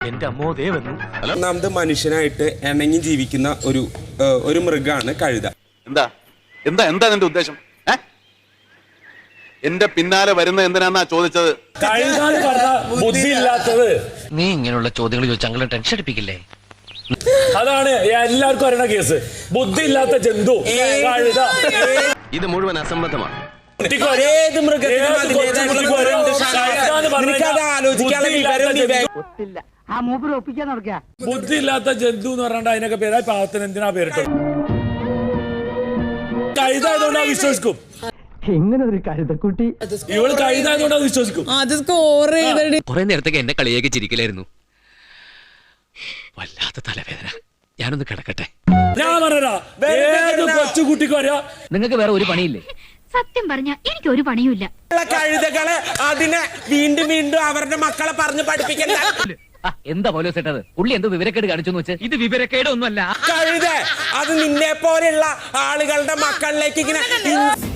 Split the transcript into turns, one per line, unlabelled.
എന്റെ അമ്മോ ദേ വന്നു.
ഒന്നാമത് മനുഷ്യനായിട്ട് ഇണങ്ങി ജീവിക്കുന്ന ഒരു മൃഗമാണ് കഴുത.
എന്താ എന്താ എന്താ നിന്റെ ഉദ്ദേശം? എന്റെ പിന്നാലെ വരുന്ന എന്തിനാന്നാ ചോദിച്ചത്?
ബുദ്ധി ഇല്ലാത്തത്.
നീ ഇങ്ങനെയുള്ള ചോദ്യങ്ങൾ ചോദിച്ചാൽ അങ്ങനെ ടെൻഷൻ അടിപ്പിക്കില്ലേ?
അതാണ് എല്ലാവർക്കും അറിയണ കേസ്. ബുദ്ധി ഇല്ലാത്ത ജന്തു കഴുത.
ഇത് മുഴുവൻ അസംബന്ധമാണ്.
ബുദ്ധി ഇല്ലാത്ത ജന്തു എന്ന് പറഞ്ഞാൽ അതിനൊക്കെ പേരാ പാവത്തിന് എന്തിനാ പേരിട്ടത്? കഴുത ആയതുകൊണ്ടാ വിശ്വസിക്കും.
ഇങ്ങനെ ഒരു കഴുതക്കുട്ടി
ഇവള് കഴുത ആയതുകൊണ്ടാ വിശ്വസിക്കും.
കുറെ നേരത്തേക്ക് എന്നെ കളിയേക്ക് ചിരിക്കലായിരുന്നു. വല്ലാത്ത തലവേദന. ഞാനൊന്ന് കിടക്കട്ടെ.
ഞാൻ പറഞ്ഞാ ഏത് കൊച്ചുകുട്ടിക്കും അറിയാം.
നിങ്ങൾക്ക് വേറെ ഒരു പണിയില്ലേ?
സത്യം പറഞ്ഞ എനിക്ക് ഒരു പണിയുമില്ല.
കഴുതകള് അതിനെ വീണ്ടും വീണ്ടും അവരുടെ മക്കളെ പറഞ്ഞ് പഠിപ്പിക്കണ്ട.
എന്താ പോലെ സെട്ടത്? പുള്ളി എന്തോ വിവരക്കേട് കാണിച്ചു വെച്ച്. ഇത് വിവരക്കേട് ഒന്നുമല്ല.
കഴുത അത് നിന്നെ പോലെയുള്ള ആളുകളുടെ മക്കളിലേക്ക് ഇങ്ങനെ